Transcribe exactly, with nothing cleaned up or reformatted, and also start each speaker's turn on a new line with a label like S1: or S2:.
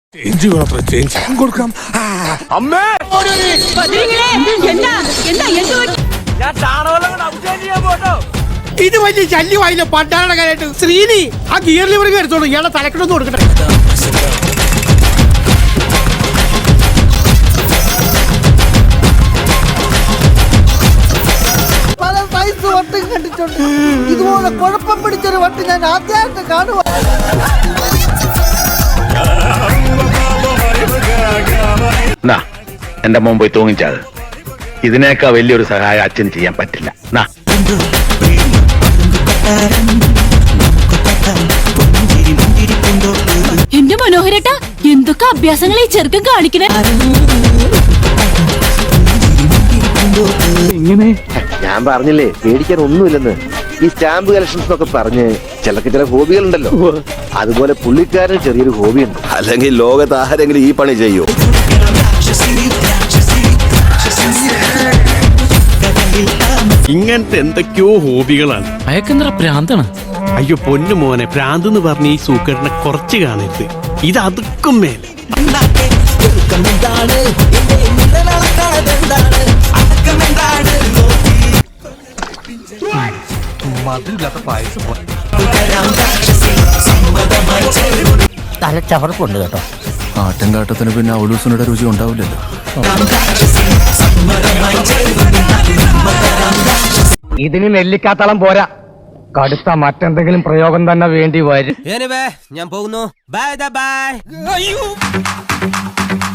S1: Change വേണത്ര change കൊടുക്കാം. അമ്മേ ഇത് വലിയ ശല്യമായില്ല പണ്ടാണ് കാര്യമായിട്ട്. ശ്രീനി ആ ഗിയർ ലിവറിങ് എടുത്തോളൂ, ഇയാളെ തലക്കെട്ടൊന്നും കൊടുക്കട്ടെ.
S2: പല സൈസ് വട്ടും കണ്ടിട്ടുണ്ട്, ഇതുപോലെ കുഴപ്പം പിടിച്ചൊരു വട്ട് ഞാൻ ആദ്യമായിട്ട് കാണുക.
S3: എന്റെ മോൻ പോയി തൂങ്ങിച്ചത്. ഇതിനേക്കാ വലിയൊരു സഹായം അച്ഛൻ ചെയ്യാൻ പറ്റില്ല.
S4: എന്റെ മനോഹരേട്ടാ, എന്തൊക്കെ അഭ്യാസങ്ങളെ ചെറുക്കം കാണിക്കണേ.
S5: ഞാൻ പറഞ്ഞില്ലേ പേടിക്കാൻ ഒന്നുമില്ലെന്ന്. ഈ സ്റ്റാമ്പ് കളക്ഷൻസ് എന്നൊക്കെ പറഞ്ഞ് ചിലക്ക് ചില ഹോബികളുണ്ടല്ലോ, അതുപോലെ പുള്ളിക്കാരന് ചെറിയൊരു ഹോബിയുണ്ട്.
S6: അല്ലെങ്കിൽ ലോകത്ത് ആരെങ്കിലും ഈ പണി ചെയ്യൂ?
S7: ഇങ്ങനത്തെ എന്തൊക്കെയോ ഹോബികളാണ്.
S8: അയക്കെന്തറ പ്രാന്താണ്.
S7: അയ്യോ പൊന്നു മോനെ, പ്രാന്ത് എന്ന് പറഞ്ഞ ഈ സൂക്കറിനെ കുറച്ച് കാണരുത്. ഇത് അതുക്കും മേലെ.
S2: തലച്ചവർക്കുണ്ട് കേട്ടോ.
S8: ആട്ടിൻകാട്ടത്തിന് പിന്നെ ഔലൂസിനുടെ രുചി ഉണ്ടാവില്ലല്ലോ.
S9: ഇതിന് നെല്ലിക്കാത്തളം പോരാ, കടുത്ത മറ്റെന്തെങ്കിലും പ്രയോഗം തന്നെ വേണ്ടി വരും.
S10: ഞാൻ പോകുന്നു. Bye by.